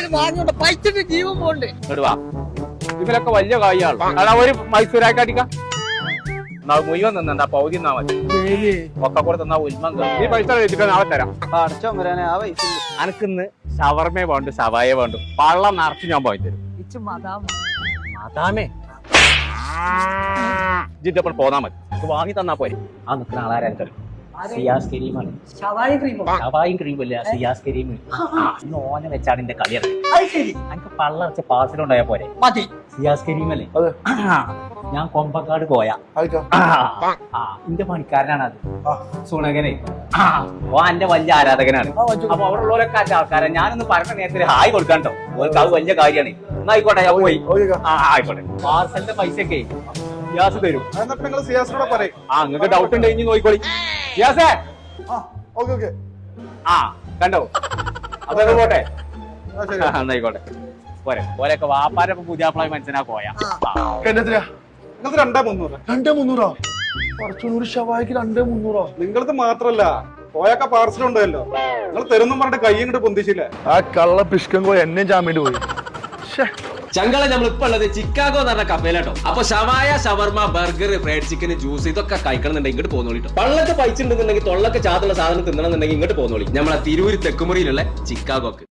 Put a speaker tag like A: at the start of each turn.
A: വാങ്ങിയോണ്ട് പൈസന്റെ ജീവൻ pond.
B: ഇതിലൊക്കെ വലിയ കായാണ്. അതാ ഒരു മൈസൂരാക്കാട്ടിക്ക മുഴുവൻ നിന്നാ പൗതി തന്നാ മതി. ഒക്കെ കൂടെ തന്നാ ഉൽമം ഈ പൈസ വെച്ചിട്ട് നാളെ തരാം. അനക്കിന്ന് ഷവർമേ വേണ്ടു, സവായ വേണ്ടു, പള്ളം നിറച്ച് ഞാൻ പോയി തരും. മതാമേ ജിദ്ദപ്പോൾ പോന്നാ മതി. വാങ്ങി തന്നാ പോരെ. ആ നിൽക്കുന്ന ആളാരും തരും. സിയാസ് കരീമാണ്. ഷവായും ക്രീമല്ല, സിയാസ് കരീം. ഇന്ന് ഓനെ വെച്ചാണ് എന്റെ കളി ഇറങ്ങി. എനിക്ക് പള്ള വെച്ച പാർസലുണ്ടായാ പോരെ. സിയാസ് കരീമല്ലേ? ഞാൻ കൊമ്പക്കാട് പോയാ എന്റെ പണിക്കാരനാണ് അത്. സുണകനെ ഓ എന്റെ വലിയ ആരാധകനാണ്. അപ്പൊ അവിടെ ഉള്ളവരൊക്കെ അന്റെ ആൾക്കാരാണ്. ഞാനൊന്ന് പറഞ്ഞ നേരത്തിൽ ഹായ് കൊടുക്കാണ്ടോ. ഓർക്ക് അത് വലിയ കാര്യമാണ്. എന്നാ ആയിക്കോട്ടെ, ഞാൻ പോയി. ആയിക്കോട്ടെ. പാർസലിന്റെ പൈസയൊക്കെ സിയാസ് തരും. നിങ്ങൾക്ക് ഡൗട്ട് ഉണ്ട് ഇനി നോക്കിക്കോളി. സിയാസേ കണ്ടോ? അതൊക്കെ പോട്ടെ. എന്നായിക്കോട്ടെ പോരെ. പോരൊക്കെ വാപ്പാരൊക്കെ പുതിയാപ്പിളായി മനസ്സിനാ പോയാ.
C: 2,300 ഷവായിക്ക് 2,300.
D: നിങ്ങളത് മാത്രല്ല പോയൊക്കെ പാർസൽ ഉണ്ടല്ലോ. നിങ്ങൾ തരുന്നും പറഞ്ഞിട്ട് കൈ ഇങ്ങോട്ട് പൊന്തിച്ചില്ല.
C: ആ കള്ള പിഷ്കം കോയ എന്നെ ജാമ്യം പോയി.
E: ചങ്കള നമ്മൾ ഇപ്പൊ ഉള്ളത് ചിക്കാഗോ എന്ന് പറഞ്ഞ കഫേലാട്ടോ. അപ്പൊ ഷവായ, ഷവർമ, ബർഗർ, ഫ്രൈഡ് ചിക്കൻ, ജ്യൂസ് ഇതൊക്കെ കഴിക്കണമെന്നുണ്ടെങ്കിൽ ഇങ്ങോട്ട് പോന്നോളിട്ടോ. പള്ളക്ക് പൈച്ചുണ്ടെന്നുണ്ടെങ്കിൽ തൊള്ളക്ക് ചാത്തുള്ള സാധനം തിന്നണമെന്നുണ്ടെങ്കിൽ ഇങ്ങോട്ട് പോന്നോളി. നമ്മളെ തിരൂര് തെക്കുമുറിയിലുള്ള ചിക്കാഗോക്ക്.